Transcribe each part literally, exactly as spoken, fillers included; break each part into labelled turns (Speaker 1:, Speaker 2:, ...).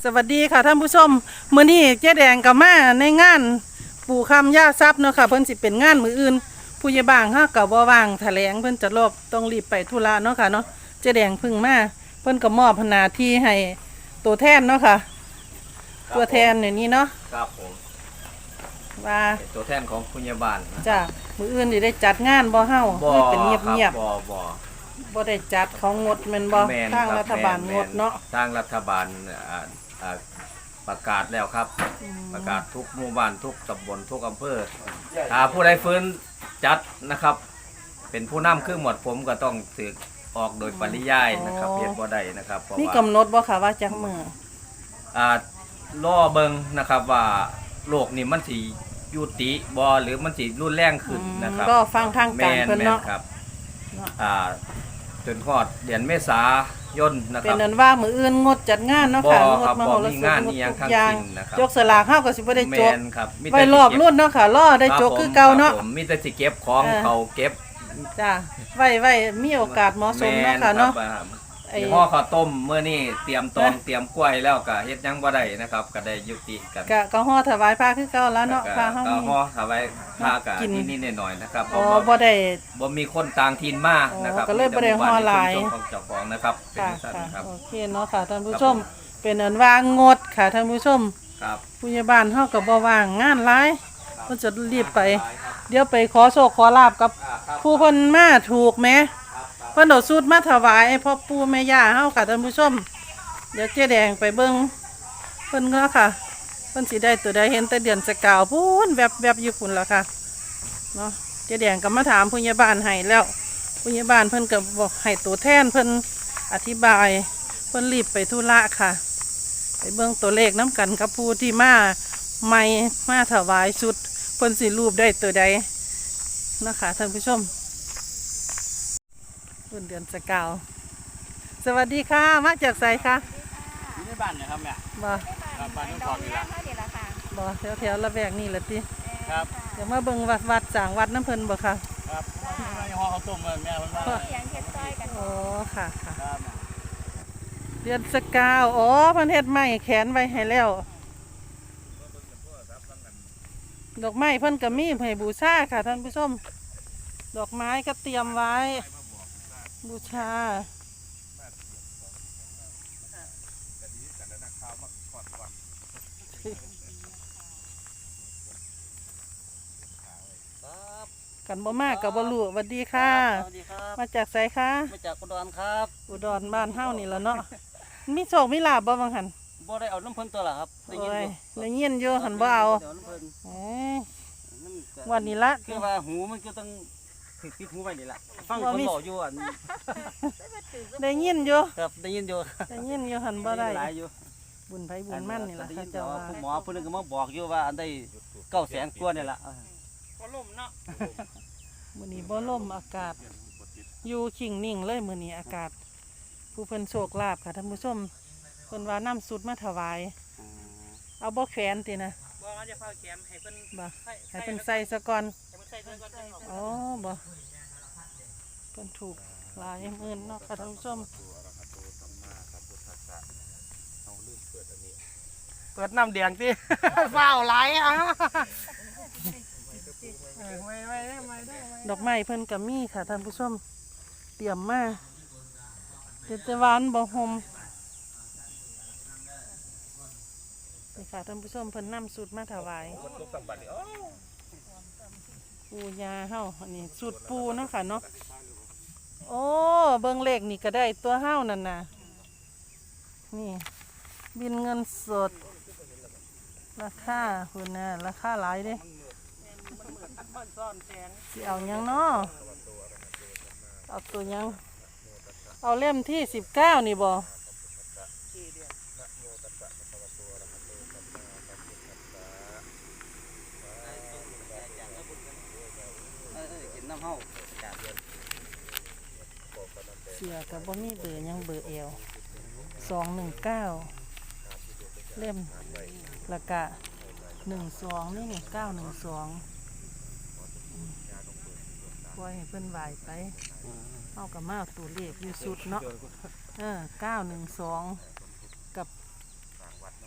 Speaker 1: สวัสดีค่ะท่านผู้ชมมื้อนี้เจ๊แดงกับมาในงานปู่คำย่าทรัพย์เนาะค่ะเพิ่นสิเป็นงานมื้ออื่นผู้ใหญ่บ้านเฮาก็บ่ว่างแถลงเพิ่นจะรบต้องรีบไปธุระเนาะค่ะเนาะเจ๊แดงเพิ่งมาเพิ่นก็มอบหน้าที่ให้ตัวแทนเนาะค่ะตัวแทนอย่างนี้เนาะ
Speaker 2: ครับผม
Speaker 1: ว่า
Speaker 2: เป็นตัวแทนของผู้ใหญ่บ้าน
Speaker 1: จ้ะมื้ออื่นสิได้จัดงานบ่เฮาให้เป็นเงียบ
Speaker 2: ๆบ่บ่
Speaker 1: บ่ได้จัดของงดแม่นบ่ทางรัฐบาลงดเนาะ
Speaker 2: ทางรัฐบาลอ่าอ่าประกาศแล้วครับประกาศทุกหมู่บ้านทุกตำบลทุกอำเภอถ้าผู้ใดฟื้นจัดนะครับเป็นผู้นำคือหมวดผมก็ต้องถือออกโดยปริยายนะครับเฮ็ดบ่ได้นะครับเพราะว่า
Speaker 1: นี่กำหนดบ่ค่ะว่าจักมื้อ
Speaker 2: อ่ารอเบิ่งนะครับว่าโรคนี้มันสิยุติบ่หรือมันสิรุนแรงขึ้นนะครับ
Speaker 1: ก็ฟังทางการเพิ่นเนาะ
Speaker 2: ครับอ่าจนฮอดเดือนเมษายนนะครับ
Speaker 1: เป็นนั้นว่ามื้ออื่นงดจัดงานเนาะค่ะงดมโหรสพงดทุกอย่างยกสลากเฮาก็สิบ่ได้จบไว้รอบรุ่นเนาะค่ะรอได้จบคือเก่าเนาะ
Speaker 2: มีแต่สิเก็บของเขาเก็บ
Speaker 1: จ้าไว้ไว้มีโอกาสเหมาะสมเนาะค่ะเนาะ
Speaker 2: ไอ้ห่อข้าวต้มมื้อนี้เตรียมตองเตรียมกล้วยแล้วก็เฮ็ดหยังบ่ได้นะครับก็ได้ยุติกัน
Speaker 1: ก็ก็ห่อถวายพระคือเก่าแล้วเนาะพระเฮา
Speaker 2: ก็ห่อถวายพระก็นิดๆหน่อยๆนะครับ
Speaker 1: อ๋อบ่ได้
Speaker 2: บ่มีคนต่างถิ่นมานะครับ
Speaker 1: ก็เลยบ่ได้ห่อหลาย
Speaker 2: ของเจ้าของนะครับ
Speaker 1: เป็นซั่นครับโอเคเนาะค่ะท่านผู้ชมเป็นอันว่างดค่ะท่านผู้ชม
Speaker 2: ครับ
Speaker 1: ผู้ใหญ่บ้านเฮาก็บ่ว่างงานหลายเพิ่นจะรีบไปเดี๋ยวไปขอโชคขอลาบกับผู้เพิ่นมาถูกแหมเพิ่นเอาสูตรมาถวายพ่อปู่แม่ย่าเฮาค่ะท่านผู้ชมเดี๋ยวเจ๊แดงไปเบิ่งเพิ่นก็ค่ะเพิ่นสิได้ตัวใดเห็นแต่เดือนสกาวพูนแวบๆอยู่พุ่นล่ะค่ะเนาะเจ๊แดงก็มาถามผู้ใหญ่บ้านให้แล้วผู้ใหญ่บ้านเพิ่นก็บอกให้ตัวแทนเพิ่นอธิบายเพิ่นรีบไปธุระค่ะไปเบิ่งตัวเลขน้ำกันกับผู้ที่มาใหม่มาถวายชุดเพิ่นสิรูปได้ตัวใดนะคะท่านผู้ชมรุ่นเดือนสกาวสวัสดีค่ะมาจากไสคะ
Speaker 3: อยู่ในบ้านนะครับแม่
Speaker 1: บ่
Speaker 3: ครับบ้านน้องทองนี่ล่ะ
Speaker 1: บ่แถวๆละแวกนี่ล่ะติ
Speaker 3: ครับ
Speaker 1: เดี๋ยวมาเบิ่งวัดวัดสร้างวัดน้ำเพิ่นบ่ค่ะ
Speaker 3: ครับห่อข้าวต้มแม่มันว่า
Speaker 1: โอ้ค่ะค่ะเดือนสกาวอ๋อเพิ่นเฮ็ดไม้แขวนไว้ให้แล้วดอกไม้เพิ่นก็มีให้บูชาค่ะท่านผู้ชมดอกไม้ก็เตรียมไว้บูชากันบ่มากกับบ่รู้สวัสดีค่ะมาจากไสคะ
Speaker 3: มาจากอุดรครับ
Speaker 1: อุดรบ้านเฮานี่แหละเนาะมีโชคมีลาภบ่บางหัน
Speaker 3: บ่ได้เอาน้ำเพิ่นตัวล่ะครับ
Speaker 1: ได้ยินอยู่ได้ยินอยู่หันบ่เอาเอ้ยวันนี้ละ
Speaker 3: คือว่าหูมันก็ต้องติดหูไว้นี่ล่ะฟังคนบอกอยู่อัน
Speaker 1: ได้ยินอยู่
Speaker 3: ครับได้ยินอยู่
Speaker 1: ได้ยินอยู่หันบ่ได้
Speaker 3: หลายอยู่
Speaker 1: บุญไผบุญมั่นนี่ล่ะค่ะเจ้าว่า
Speaker 3: ผู้หมอผู้นึงก็มาบอกอยู่ว่าอันได้เก้าแสนกว่านี่ล่ะ
Speaker 1: บ่ล่มเนาะมื้อนี้บ่ล่มอากาศอยู่ขิงนิ่งเลยมื้อนี้อากาศผู้เพิ่นโชคลาภค่ะท่านผู้ชมเพิ่นว่าน้ำสุดมาถวายเอาบ่แขวนตินะ
Speaker 3: บ่ว่าจะพาแขนให้เพิ่น
Speaker 1: บ่ให้เพิ่นใส่ซะก่อนอ๋อบ่เพิ่นถูกหลายหมื่นเนาะค่ะท่านผู้ชม
Speaker 3: เปิดน้ำแดงสิเฝ้าไหลอ่ะ
Speaker 1: ดอกไม้เพิ่นก็มีค่ะท่านผู้ชมเตรียมมาเฮ็ดแต่หวานบ่ห่มนี่ค่ะท่านผู้ชมเพิ่นนำสูตรมาถวายปูยาเฮาอันนี้สูตรปูเนาะค่ะเนาะโอ้เบิ่งเลขนี่ก็ได้ตัวเฮานั่นน่ะนี่บินเงินสดราคาคุณน่ะราคาหลายเด้สิเอายังเนาะเอาตัวยังเอาเล่มที่สิบเก้านี่บ่เสียกับบ่มีเบอร์ยังเบอร์เอลสองหนึ่งเก้าเล่มละกะหนึ่งสองนี่นี่เก้าหนึ่งสองปล่อยให้เพิ่นไหวไปเอากับมาตัวเลขอยู่สุดเนาะเออเก้าหนึ่งสองกับ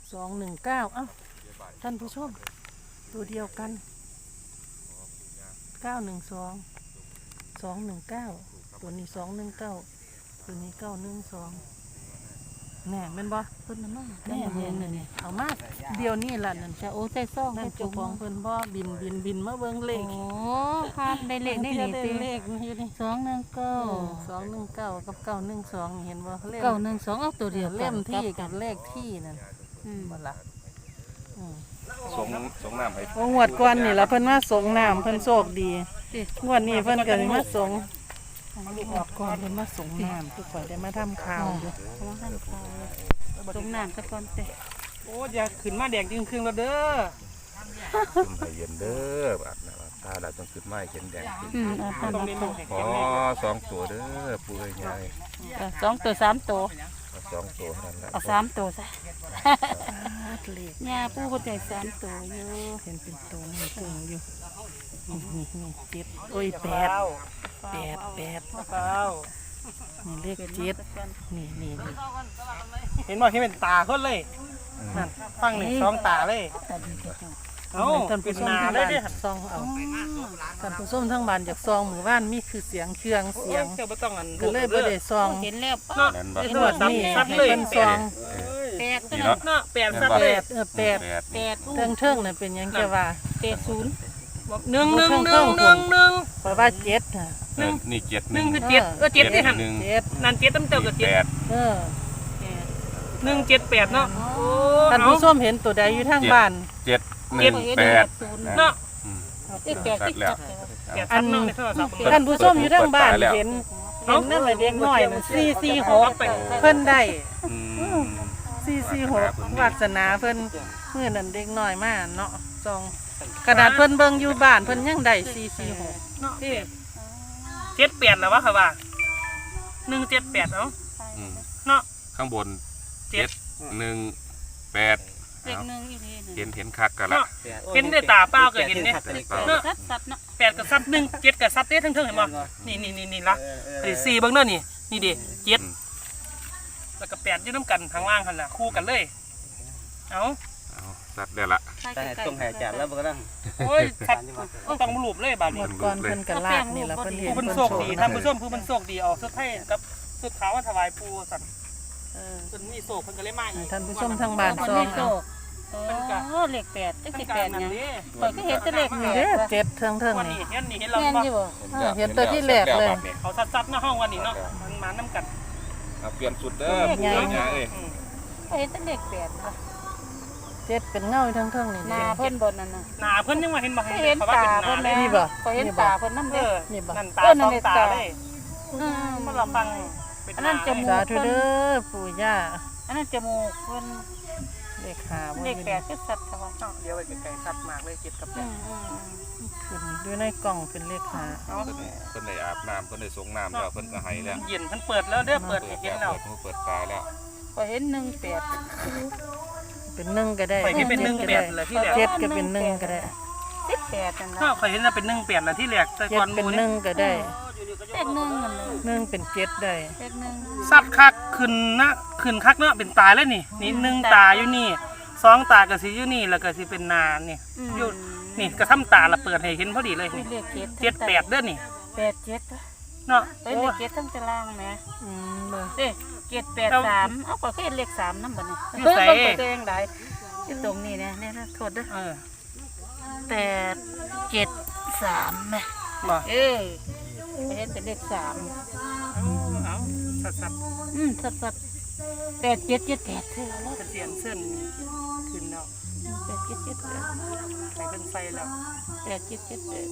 Speaker 1: สองหนึ่งเก้าเอ้าท่านผู้ชมตัวเดียวกันเก้าหนึ่งสองสองหนึ่งเก้าตัวนี้สองหนึ่งเก้าตัวนี้เก้าหนึ่งสองแน่แม่นบ่
Speaker 4: เพิ่นน่ะมา
Speaker 1: แน่เห็นน่ะนี่เอามาเดียวนี่ล่ะนั่น
Speaker 4: จะโอ้ใจซ่อง
Speaker 1: นั่
Speaker 4: ให้
Speaker 1: น
Speaker 4: จุ
Speaker 1: เจ้าก ของเพิ่นบ่บินบินบินมาเบิ่งเล
Speaker 4: โอ้
Speaker 1: ข
Speaker 4: พาดได้เลขได้
Speaker 1: ได้
Speaker 4: นี่
Speaker 1: ได้
Speaker 4: ติ
Speaker 1: เลขอยู่นี่
Speaker 4: สองหนึ่งเก้า
Speaker 1: สองหนึ่งเก้ากับเก้าหนึ่งสองเห็นบ่เล่ม
Speaker 4: เก้าหนึ่งสองเอาตัวเดียว
Speaker 1: เล่มที่
Speaker 4: กั
Speaker 1: กับเลขที่นั่น
Speaker 4: อืม
Speaker 1: บ่ล่ะอืม
Speaker 5: สงสงน้ำให้
Speaker 1: โอ้งวดก่อนนี่ล่ะเพิ่นมาสงน้ำเพิ่นโชคดีงวดนี้เพิ่นก็สิมาสงงวดก่อนเพิ่นมาสงน้ำทุกคนได้มาทำข่าวอยู่
Speaker 4: เพราะว่าท่านเขาตรงน้ำตะกอนเตะ
Speaker 3: โอ้อย่าขึ้นมาแดงจึงครึ่งแล้วเด้อ
Speaker 5: ขึ้นให้เย็นเด้ออาบน้ำอาบตาเราต้องขึ้นมาให้เห็นแดงขึ้น
Speaker 4: อืมเอาท่าน
Speaker 3: ต้อง
Speaker 4: มา
Speaker 3: เน้น
Speaker 4: ข
Speaker 3: ลู
Speaker 4: อก
Speaker 3: ให้
Speaker 5: ขอ
Speaker 3: เก็บเลย
Speaker 5: สองตัวเด้อปูเอ้ยยาย
Speaker 4: เอาสองตัวสามตัว
Speaker 5: เอาสองตัวนั่นแหละ
Speaker 4: เอาสามตัวซะ
Speaker 1: เลข
Speaker 4: ย่าปู่คนใจสามตัวอยู่
Speaker 1: เห็นเป็นตัวนี่เกิงอยู่นี่นี่นี่เจ็ดโอ้ยแปดแปดแปด
Speaker 3: เปล่า
Speaker 1: นี่เลขเจ็ดนี่นี่นี่
Speaker 3: เห็นบ่เห็นเป็นตาคนเลยนั่นฟังหนึ่งสองตาเลย
Speaker 4: ตัดดีจัง
Speaker 3: เอ้า
Speaker 1: ท่าน
Speaker 3: เป็
Speaker 1: ผู้
Speaker 3: น
Speaker 1: ชม
Speaker 3: นา
Speaker 1: ทั้ง
Speaker 3: เลย
Speaker 1: บ้าน
Speaker 3: เด้อ
Speaker 1: ซองเอาท่านผู้ชมทั้งบ้านอยากซองหมู่บ้านมีคือเสียงเครื่อง
Speaker 3: โอ้
Speaker 1: เสีย
Speaker 3: ย
Speaker 1: ง
Speaker 3: เจ้าบ่ต้องอัน
Speaker 1: ก็เลยบ่ได้ซอง
Speaker 4: เห็นแล้ว
Speaker 3: เนาะ
Speaker 5: นั่นบ่
Speaker 3: เห็น
Speaker 1: ง
Speaker 3: บ่
Speaker 1: วด
Speaker 3: ซับ
Speaker 1: นี้
Speaker 3: ซับ
Speaker 1: ให้
Speaker 3: เลย
Speaker 1: เพิ่นซอง
Speaker 4: แปด
Speaker 5: นี่เนาะ
Speaker 3: เนาะแปดซับ
Speaker 1: แป
Speaker 3: เลย
Speaker 1: ดเออแปด
Speaker 5: แปด
Speaker 4: แปด
Speaker 1: เทิงเทิงน่ะเป็นหยังแกว่า
Speaker 4: แปดศูนย์
Speaker 3: หนึ่งหนึ่งหนึ่งหนึ่งหนึ่ง
Speaker 1: เพราะว่าเจ็ดน่ะ
Speaker 5: เออนี่เจ็ดห
Speaker 3: ห
Speaker 5: นึ่
Speaker 3: นึ่
Speaker 5: ง
Speaker 3: งคือเจ็ดเออเจ็ดที่หัน
Speaker 5: หนึ่ง
Speaker 1: เจ็ด
Speaker 3: นั่นเจ็ดตั้งเจ้ากับ
Speaker 5: แป
Speaker 3: เจ็ด
Speaker 5: ด
Speaker 1: เออ
Speaker 3: หนึ่งเจ็ดแปดเนาะโอ้
Speaker 1: ท่าน
Speaker 3: เอา
Speaker 1: ผู้ชมเห็นตัวใดอยู่ทางบ้าน
Speaker 5: เจ็ดหนึ่งแปด
Speaker 4: ศูนย์
Speaker 3: เนาะ
Speaker 5: อืม
Speaker 4: เอ้ยแปดที่
Speaker 5: แล้ว
Speaker 4: จับ
Speaker 3: แปดซับเนาะในโทรศัพท์
Speaker 1: ท่านผู้ชมอยู่ทางบ้านเห็นเห็นนั่นแหละเด็กน้อยน่ะสี่สี่หกเพิ่นได้
Speaker 5: อืม
Speaker 1: สี่สี่หกวาสนาเพิ่นเมื่อนั้นเด็กน้อยมาเนาะซองกระดาษเพิ่นเบิ่งอยู่บ้านเพิ่นยังได้สี่สี่หก
Speaker 3: เนาะที่เจ็ดแปดแล้ววะค่ะว่าหนึ่งเจ็ดแปดเนาะ
Speaker 5: อืม
Speaker 3: เนาะ
Speaker 5: ข้างบน
Speaker 3: เจ็
Speaker 5: เจ็
Speaker 3: ด
Speaker 5: ดหนึ่งแปด
Speaker 4: เลขหนึ่งอีกทีหนึ่ง
Speaker 5: เห็นเห็นคักกันละ
Speaker 3: เนาะเห็นด้วยตาเปล่าก็เห็นเนี่ย
Speaker 4: เนาะซัดซัดเนาะ
Speaker 3: แปดกับซับหนึ่งเจ็ดกับซับเต้ทั้งเทิงเห็นบ่นี่นี่นี่นี่ละไอ้สี่เบิ้งเด้อนี่นี่ดิเจ็ดแล้วก็แปดอยืดน้ำกันทางล่างกันล่ะคู่กันเลยเอา
Speaker 5: เอาสัตว์ได้ละ
Speaker 4: แต่ต้องหายใจแล้วบ่
Speaker 3: โอ้ยชัดต้องมาหลูบเลยบาด
Speaker 1: หม
Speaker 3: นี้
Speaker 1: ดก่อนเพิ่นกระลากนี่ล่ะเพิ่นเห็น
Speaker 3: ผู้เป็น
Speaker 1: เพิ่น
Speaker 3: โชค
Speaker 1: โช
Speaker 3: ดี
Speaker 1: ค
Speaker 3: ท่านผู้ชมผู้เป็นโชคดีเอาสุดให้กับสุดขาวมาถวายปูสัตว์
Speaker 4: เออ
Speaker 3: เพิ่นมีโชคเพิ่นก็เลยมาอีก
Speaker 1: ท่านผู้ชมทางบ้าน
Speaker 4: คน
Speaker 1: ซอ
Speaker 4: ไม่
Speaker 1: ง
Speaker 4: โต
Speaker 1: เอา
Speaker 4: โอ้เลขแปดจัก
Speaker 3: ทั้
Speaker 4: สิ
Speaker 3: ง
Speaker 4: แป
Speaker 3: การ
Speaker 4: ด
Speaker 3: นั่น
Speaker 4: ยัง
Speaker 3: เด้
Speaker 4: ข่อยก็เห็นแต่เลข
Speaker 1: นี่
Speaker 4: แป
Speaker 1: เด้
Speaker 4: ด
Speaker 1: อเจ็ดเทิงเทิง
Speaker 3: วัน
Speaker 1: นี่
Speaker 3: นี้เห็นนี่เห็นเรา
Speaker 4: แม่น
Speaker 3: บ่
Speaker 4: อยู่บ่
Speaker 1: เออเห็นตัวที่แรกเลย
Speaker 3: เขาซัดๆหน้าห้องวันนี้เนาะมันมาน้ำกัน
Speaker 5: เอาเปลี่ยนสุดเด้อปูเอ้ยยายเอ้ย
Speaker 3: อืม
Speaker 4: ข่อยเห็นแต่เลขแปดค่ะ
Speaker 1: เจ็ดเป็นเงาอยู่เทิงเทิงนี่
Speaker 4: หน้าเพิ่นบนนั่นน่ะ
Speaker 3: หนาเพิ่นยังมาเห็นบ่
Speaker 4: ข่อยเห็น
Speaker 3: เขาว่า
Speaker 4: ตา
Speaker 3: เป็นห
Speaker 4: เพิ่
Speaker 3: นาน เลย
Speaker 4: แม่
Speaker 1: นี่บ่
Speaker 4: ข่อยเห็น
Speaker 1: นี่บ่
Speaker 4: ตาเพิ่นนำ
Speaker 3: เอ
Speaker 4: เด้อ
Speaker 3: อ
Speaker 1: นี่บ่
Speaker 3: นั่นตา
Speaker 4: เออนั่
Speaker 3: สอน ง
Speaker 4: เลย
Speaker 3: ตา
Speaker 4: ตา
Speaker 3: เลย
Speaker 4: อืม
Speaker 3: มันเราฟังเป็น
Speaker 4: อัน
Speaker 3: ห
Speaker 4: นั้
Speaker 3: น้าน
Speaker 4: จมูก
Speaker 1: สาธุเด้อปู่ย่า
Speaker 4: อันนั้นจมูกเพิ่น
Speaker 1: เลขหาบ่
Speaker 4: เลขแปดคือสัตว์ค่ะว่า
Speaker 3: เนาะเดี๋ยวไปไกลๆสัตว์มากเลยเจ็ดกับแป
Speaker 4: อื
Speaker 3: ด
Speaker 4: มอืมอืม
Speaker 1: ขึ้นด้วยในกล่องเป็นเลขหา
Speaker 3: เอา
Speaker 5: เพิ่นเพิ่นได้อาบน้ำเพิ่นได้สงน้ำแล้วเพิ่นก็ให้แล้ว
Speaker 3: เย็นเพิ่นเปิดแล้วเด้อเปิดให้เห็นแล้ว
Speaker 5: เปิดหูเปิดตาแล้ว
Speaker 4: ข่อยเห็นหนึ่งแปด
Speaker 1: เป็นหนึ่งก็ได้
Speaker 3: ข่อยเห็นเป็นหนึ่งแปดเลยที่แรก
Speaker 1: เจ็ดก็เป็นหนึ่งก็ได้
Speaker 4: สิบแปดนั่น
Speaker 3: ก็
Speaker 4: ล่ะ
Speaker 3: ข่อยเห็นว่าเป็นหนึ่งแปดนะที่แรกแต่
Speaker 1: เจ็
Speaker 3: ก่อ
Speaker 1: ด
Speaker 3: นห
Speaker 1: เป็น
Speaker 3: มู่
Speaker 1: ห
Speaker 3: นี่
Speaker 1: นึ่งก็ได้
Speaker 4: เลขหนึ่งนั่นเลย
Speaker 1: หนึ่งเป็นเจ็ดได้
Speaker 4: เลขหนึ่ง
Speaker 3: สัตว์คักขึ้นนะขึ้นคักเนาะเป็นตาเลยนี่นี่หนึ่งตาอยู่นี่สองตาก็สิอยู่นี่แล้วก็สิเป็นนานี่อยู่นี่กระทำตาละเปิดให้เห็นพอดีเลย
Speaker 4: มี
Speaker 3: นี่
Speaker 4: เลขเจ็ด
Speaker 3: เจ็ดแปดเด้อนี่
Speaker 4: แปดเจ็ด
Speaker 3: เนาะ
Speaker 4: เป็นเลขเจ็ดทั้งตารางแหม
Speaker 1: อืมเบอร์
Speaker 4: เด้เจ็ดแปดสามเอาก็เห็นเลขสามนำบัดนี้
Speaker 3: อยู่
Speaker 4: เพิ่น
Speaker 3: ไส
Speaker 4: เบิ่งตัวเองได้อยู่ตรงนี้นะเนี่ยนะโทษเด้อ
Speaker 3: เออ
Speaker 4: แปดเจ็ดสามแหม
Speaker 3: บ่
Speaker 4: เออเห็นเป็นเลขสาม
Speaker 3: เอาสัตว์สัตว์
Speaker 4: อืมสัดๆแปดเจ็ดเจ็ดแปดเท่าแล้ว
Speaker 3: เป็นเสียนเส้นขึ้นแล้ว
Speaker 4: แปดเจ็ดเจ็ดแปด
Speaker 3: ใส่เป็นไฟแล้ว
Speaker 4: แปดเจ็ดเจ็ดแปด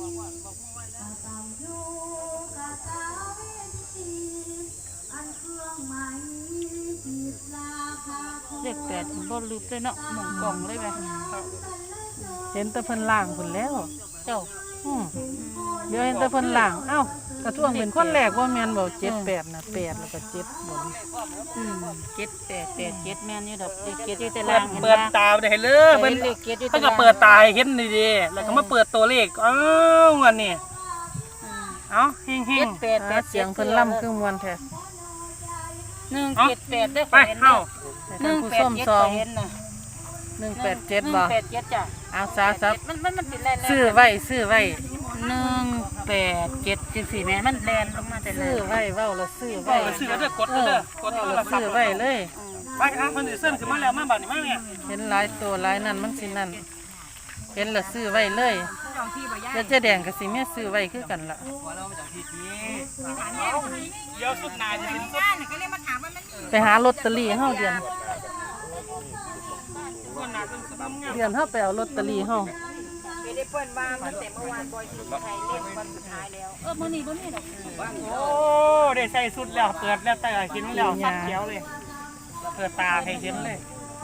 Speaker 4: เลขแปดบ่ลืมเลยเนาะหมองกล่องเลยไหม
Speaker 1: เห็นแต่เพิ่นล่างพุ่นแล้ว
Speaker 4: เจ้า
Speaker 1: อืมเดี๋ยวเห็นแต่เพิ่นล่างเอ้ากระท่วงเป็นคนแรกว่าแม่นบ่เจ็ดแปดนะแปดแล้วก็เจ็ดบน
Speaker 4: อืมเจ็ดแปดแปดเจ็ดแม่นอยู่ดอกเลขเจ็ดอยู่แต่
Speaker 3: เปิ
Speaker 4: ล่า
Speaker 3: ด
Speaker 4: งเห็น
Speaker 3: เปิด
Speaker 4: ไหม
Speaker 3: ตาได้เลย
Speaker 4: เพิ่
Speaker 3: เพิ่
Speaker 4: น
Speaker 3: น
Speaker 4: เลขเจ็ดอยู่
Speaker 3: เพิ่
Speaker 4: แต่
Speaker 3: นก็
Speaker 4: ล่าง
Speaker 3: เปิดตาให้เห็นดีๆแล้วก็มาเปิดตัวเลขอ้าวอันนี้
Speaker 4: อืม
Speaker 3: เอ้าเฮง
Speaker 4: เจ็ดแปดแป
Speaker 1: อ่า
Speaker 4: ด
Speaker 1: เสียงเพิ่นล่ำคือมวนแท้
Speaker 4: หนึ่งเจ็ดแปดได้อ
Speaker 3: ๆไป
Speaker 4: ข้อยเห็น
Speaker 3: เข้า
Speaker 1: ให้
Speaker 4: ห
Speaker 1: ท่า
Speaker 4: นึ่
Speaker 1: น
Speaker 4: ง
Speaker 1: ผู้
Speaker 4: แป
Speaker 1: ช
Speaker 4: ด
Speaker 1: ม
Speaker 4: เจ็ด
Speaker 1: ซอ
Speaker 4: ข้อง ยเห็นน่ะ
Speaker 1: หนึ่งแปดเจ็ด
Speaker 4: หนึ่
Speaker 1: บ่
Speaker 4: งแปดเจ็ดจ้ะ
Speaker 1: เอาซาซับ
Speaker 4: มันมันมันเป็นแลน
Speaker 1: ซื้อไว้ซื้อไว้
Speaker 4: หนึ่งแปดเจ็ดจังสี่แม่มันแลนลงมาแต่แล
Speaker 1: ซื้อน ไว้เว้าแล้วซื้อ
Speaker 3: เอ
Speaker 1: ไว้
Speaker 3: อซื้อแล้วเด้อกดแล้วเด้อกด
Speaker 1: เว้า
Speaker 3: โทร
Speaker 1: แล้ว
Speaker 3: ศัพ
Speaker 1: ซื้อ
Speaker 3: ท์
Speaker 1: ไว้เลย
Speaker 3: ไปอ่ะคนอื่นเส้นขึ้นมาแล้วมาบัดนี้มาเนี่ย
Speaker 1: เห็นหลายตัวหลายนั่นมันสินั่นเห็นแล้วซื้อไว้เลยแล้วเจ๊แดงก็สิแม่ซื้อไว้คือกันล่ะ
Speaker 3: เดี๋ยวสุดนายจะเป็นสุด
Speaker 1: ไปหาลอตเตอรี่เฮาเดือน
Speaker 3: คนนายเป็นสุดงาม
Speaker 1: เดือนเฮาไปเอาลอตเตอรี่เฮา
Speaker 4: เออมื้อนี้บ่มีดอก
Speaker 3: โอ้ได้ใส่สุดแล้วเปิดแล้วแต่เห็นแล้วสัดเขียวเลยเปิดตาให้เห็นเลย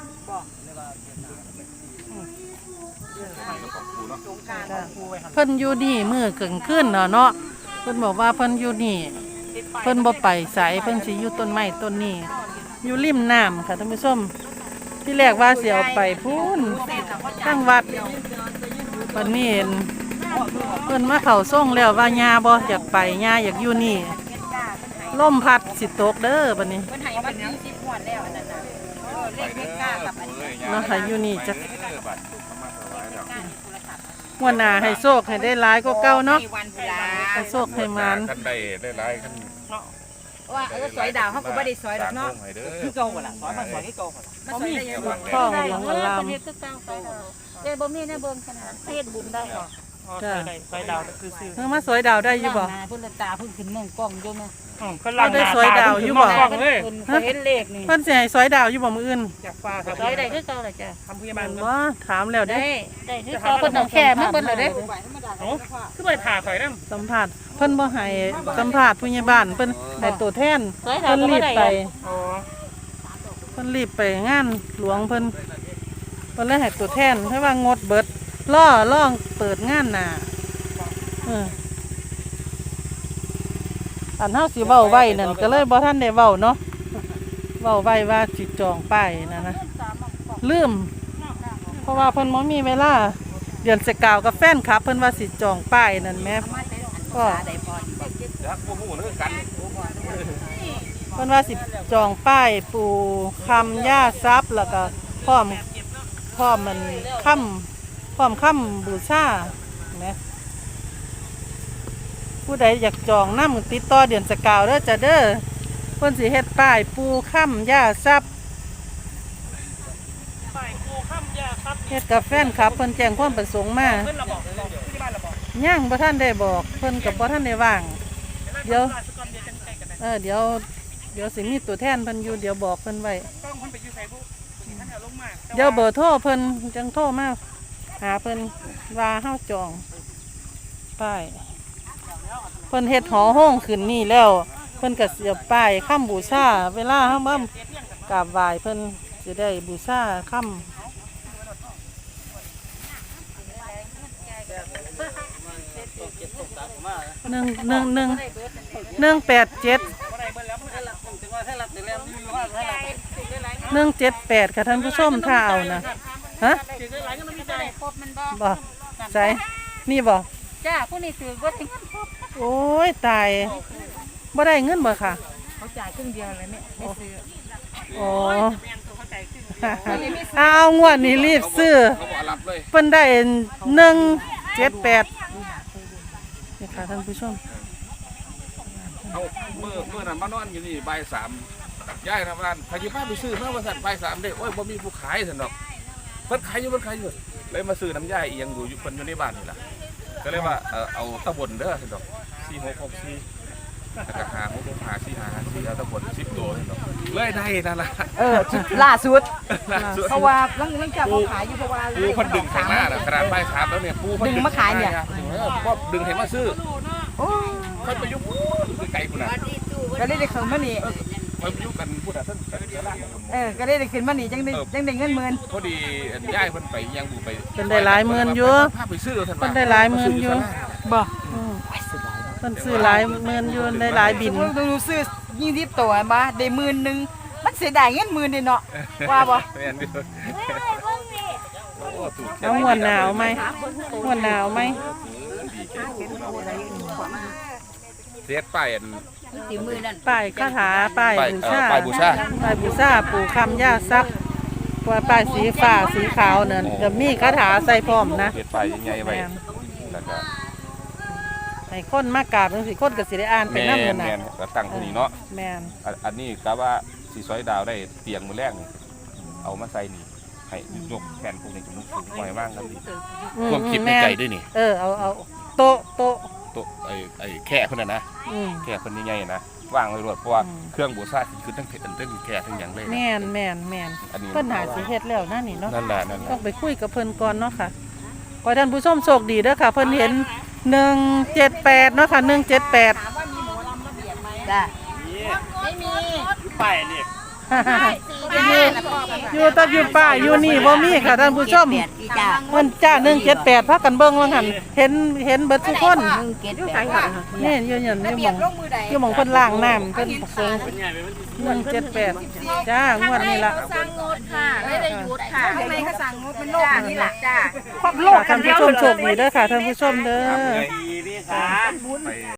Speaker 1: จ้ะเพิ่นอยู่นี่มื้อกลางคืนเนาะเนาะเพิ่นบอกว่าเพิ่นอยู่นี่เพิ่นบ่ไปไสเพิ่นสิอยู่ต้นไม้ต้นนี้อยู่ริมน้ำค่ะท่านผู้ชมที่แรกว่าสิเอาไปพูนตั้งวัดวันนี้เห็นเพิ่นมาเข้าส่งแล้วว่าญาบ่อยากไปญาอยากอยู่นี่ลมพัดสิตกเด้อบัดนี้
Speaker 4: เพิ่นให้วันนี้สิบงวดแล้วอันนั้นน่ะเออเลขเลขเก้ากับอันนี้
Speaker 1: เนาะให้อยู่นี่จัก
Speaker 5: เออบัตรเข้ามาถวายแล้ว
Speaker 1: งวดหน้าให้โชคให้ได้หลายกว่าเก่าเนาะ
Speaker 4: วันพุลา
Speaker 1: ให้โชคให้มาน
Speaker 5: คันได้ได้หลายคัน
Speaker 4: ว่าเออสอยดาวเขาก็บ่ได้สอยดอกเนาะ
Speaker 5: สร้งวงให้เด้อ
Speaker 3: คือเก่าหมดละสอนมาสอนให้เก่าหมดละ
Speaker 4: มันสอยได้ยังบ่
Speaker 1: ท้องหลวงอลาม
Speaker 4: เฮ็ดคือเก่าไปแล้วแต่บ่มีแน่เบิ่งขนาดเฮ็ดบุญได้ค่ะ
Speaker 3: ใช่ใส่ดาวคือซื้อ
Speaker 1: เพิ่นมาสวยดาวได้อยู่บ่
Speaker 4: หน้าเพิ่นละตาเพิ่นขึ้นเมืองกล้องอยู่แม่
Speaker 3: คนหลังเลย
Speaker 4: เพิ่นเห็นเลขนี่
Speaker 1: เพิ่นสิให้สวยดาวอยู่บ่มื้ออื่น
Speaker 3: จากฟ้าครับ
Speaker 4: สอยได้คือเก่าล่ะจ้ะ
Speaker 3: ทำพยาบา
Speaker 1: แม่
Speaker 3: ล
Speaker 1: นบ่ถามแล้วเด้
Speaker 4: ได้ได้คือเก่าเพิ่นเอาแค่มาเบิ่นแล้วเด้
Speaker 3: โอ้คือไปผ่าข่อยน้ำ
Speaker 1: สัมภาษณ์เพิ่นบ่ให้สัมภาษณ์ผู้ใหญ่บ้านเพิ่นให้ตัวแทน
Speaker 4: สอยดาว
Speaker 1: เพิ่น
Speaker 4: ก็
Speaker 1: รี
Speaker 4: บ่
Speaker 1: บ
Speaker 4: ได้
Speaker 1: ไป
Speaker 3: อ๋อ
Speaker 1: เพิ่นรีบไปงานหลวงเพิ่นเพิ่นเลยให้ตัวแทนเพราะว่างดเบิดล่อล่องเปิดงานหน้าเอออันเฮาสิเว้าไว้นั่นก็เลยบ่ทันได้เว้าเนาะเว้าไว้ว่าสิจองป้ายนั่นนะลืมเพราะว่าเพิ่นบ่มีเวลาเดือนสกาวกับแฟนคลับเพิ่นว่าสิจองป้ายนั่นแหม่ก็
Speaker 5: ยักษ์บ่ฮู้เด้อกัน
Speaker 1: เพิ่นว่าสิจองป้ายปูคำย่าทรัพย์แล้วก็พร้อมพร้อมมันค่ำพร้อมค่ำบูชาแหมผู้ใดอยากจองนำติดต่อเดือนสกาวเด้อจ้ะเด้อเพิ่นสิเฮ็ดป้ายปูค่ำย่าทรัพย์
Speaker 3: ไปกูข้ามยาครับ
Speaker 1: เฮ็ดกับแฟนคลับเพิ่นแจ้งความประสงค์มา
Speaker 3: เพื่อนเราบอกบอกที่บ้านเราบอก
Speaker 1: ย่างบ่ทันได้บอกเพิ่นกับบ่ทันได้ว่าง เดี๋ยว
Speaker 3: ราชกรเดียวกันใจกันนะ
Speaker 1: เออเดี๋ยวเดี๋ยวสิมีตัวแทนเพิ่นอยู่เดี๋ยวบอกเพิ่นไว้
Speaker 3: กล้องคนไปยูไซบุท่านเอาลงมา
Speaker 1: เดี๋ยวเบอร์โทรเพิ่นจังโทรมาหาเพิ่นว่าเฮาจองป้ายเพิ่นเฮ็ดหอห้องขึ้นนี่แล้ว เพิ่นก็เสียบป้ายค่ำบูชาเวลาเฮามากราบไหว้เพิ่นสิได้บูชาค่ำหนึ่งหนึ่งหนึ่งหนึ่งแปดเจ็ดหนึ่งเจ็ดแปดค่ะท่านผู้ชมถ้าเอานะฮะ
Speaker 3: ถือหลายก็ไม่มีใจ
Speaker 4: ครบมันบ่
Speaker 1: บ่ใส่นี่บ่
Speaker 4: จ้าผู้นี้ถือว่าถึงเงินครบ
Speaker 1: โอ้ยตายบ่ได้เงินบ่ค่ะ
Speaker 4: เขาจ่ายครึ่งเดียวเลยแม่ไม่ซื้อ
Speaker 1: โอ้
Speaker 3: แมนตัวเข้าใจขึ้น
Speaker 1: เอางวดนี้รีบซื้อ
Speaker 5: เขาบ่รับเลย
Speaker 1: เพิ่นได้หนึ่งเจ็ดแปดนี่ค่ะท่านผู้ชม
Speaker 5: เอาเมื่อเมื่อนั้นมานอนอยู่นี่บ่ายสามย้ายทำงานพายิบ้านไปซื้อมาว่าสั่นบ่ายสามเด้โอ้ยบ่มีผู้ขายสั่นดอกเพิ่นขายอยู่เพิ่นขายอยู่เลยมาซื้อน้ำยาเอียงอยู่อยู่เพิ่นอยู่ในบ้านนี่ล่ะก็เลยว่าเออเอาตะบนเด้อสั่นดอกสี่หกหกสี่แล้วก็หาหกหกหาสี่หาสี่เอาตะบนสิบตัวสั่นดอกเลยได้นั่นล่ะ
Speaker 6: เออล่าสุด
Speaker 5: ล่าสุด
Speaker 6: เพราะว่าลังลังจากเขาขายอยู่เพราะว่า
Speaker 5: ปูเพิ่นดึงข้างหน้าน่ะขนาดบ่ายสามแล้วเนี่ยปูเพิ่น
Speaker 6: ดึงมาขายเนี่ย
Speaker 5: เออเพราะดึงเห็นมาซื้อ
Speaker 6: โอ้
Speaker 5: เพิ่นไปอยู่ปูนไกลพุ่นน่ะ
Speaker 6: ก็เลยได้ขึ้นมานี่
Speaker 5: เพิ่นไปอยู่กันพุ่นน่ะท่านเสือล่าง
Speaker 6: เออก็เลยได้ขึ้นมานี่จังได้จังได้เงินหมื่น
Speaker 5: พอดีย้ายเพิ่นไปยังบูไป
Speaker 1: เพิ่นได้หลายหมื่นอยู่
Speaker 5: พาไปซื้อท่าน
Speaker 1: เพิ่นได้หลายหมื่นอยู่
Speaker 6: บ่
Speaker 1: อืมเพิ่นซื้อหลายหมื่นอยู่ได้หลายบิน
Speaker 6: ต้องดูซื้อยี่สิบตัวมาได้หมื่นหนึงมันเสียดายเงินหมื่นนี่เนาะว่าบ่
Speaker 5: แม่นอยู่โอ้ถูก
Speaker 1: เอางวดหนาวไหมงวดหนาวไหม
Speaker 5: เสียไปอัน
Speaker 4: ตีมือนั่น
Speaker 1: ป้ายคาถาป้าย
Speaker 5: ป้าย
Speaker 1: บู
Speaker 5: เอ่
Speaker 1: ชา
Speaker 5: อป้ายบูชา
Speaker 1: ป้ายบูชาปู่คำย่าทรัพย์ปว่าป้ายสีฟ้าสีขาวนั่นก็มีคาถาใส่พร้อมนะ
Speaker 5: เฮ็ดป้ายใหญ่ๆไว้
Speaker 1: แม่น
Speaker 5: แล้วก็
Speaker 1: ให้คนมากราบจังซี่คนก็สิได้อ่านไป
Speaker 5: แม่
Speaker 1: นำ
Speaker 5: น
Speaker 1: นั่นน่ะ
Speaker 5: แม่นก็ตั้งที่นี่เนาะ
Speaker 1: แม่น
Speaker 5: อันอันนี้กะว่าสิซอยดาวได้เตียงมื้อแรกนี่เอามาใส่นี่ให้ยกแผ่นพวกนี้จมูกสูงหน่อยมากครับนี่
Speaker 1: อื
Speaker 5: ความคิดใน
Speaker 1: แม่น
Speaker 5: ใจด้วยนี่
Speaker 1: เออเอาเอาโต๊ะโต๊ะ
Speaker 5: โต๊ะไอ้ไอ้แค่เพิ่นน่ะนะ
Speaker 1: อืม
Speaker 5: แค่เพิ่นใหญ่ๆนะวางไว้รวดเพราะว่า
Speaker 1: อืม
Speaker 5: เครื่องบูชาคือทั้งเผ็ดทั้งแค่ทั้งหยังเลยนะ
Speaker 1: แม่นแม่นแม่น
Speaker 5: อันนี้
Speaker 1: เพิ่นหาสิเฮ็ดแล้วนะนี่เนาะ
Speaker 5: นั่นแหละนั่นแห
Speaker 1: ต้อ
Speaker 5: ละ
Speaker 1: งไปคุยกับเพิ่นก่อนเนาะค่ะขอให้ท่านผู้ชมโชคดีเด้อค่ะ เพิ่นเห็นหนึ่งเจ็ดแปดเนาะค่ะหนึ่งเจ็ดแปด
Speaker 6: จ้ะ
Speaker 3: ไปเนี่ย
Speaker 1: อยู่อยู่แตะอยู่ป่าอยู่นี่บ่มีค่ะท่านผู้ชม
Speaker 6: จ้ะ
Speaker 1: เพิ่นจ้าหนึ่งเจ็ดแปดพากันเบิ่งว่าหั่นเห็นเห็นเบิดทุกคน
Speaker 6: เก็ดแปด
Speaker 1: นี่อยู่หยันอยู่หม่องอยู่หม่องเพิ่นล้างน้ำเพิ่นเพิ่นหนึ่งเจ็ดแปดจ้างวดนี้ล่ะ
Speaker 4: สั่งงดค่ะไม่ได้หยุดค่ะ
Speaker 6: ทำไมเขาสั่งงดมันโลกนี่ล่ะจ้ะ
Speaker 1: โลกท่านผู้ชมโชคดีเด้อค่ะท่านผู้ชมเด้อ
Speaker 5: ไป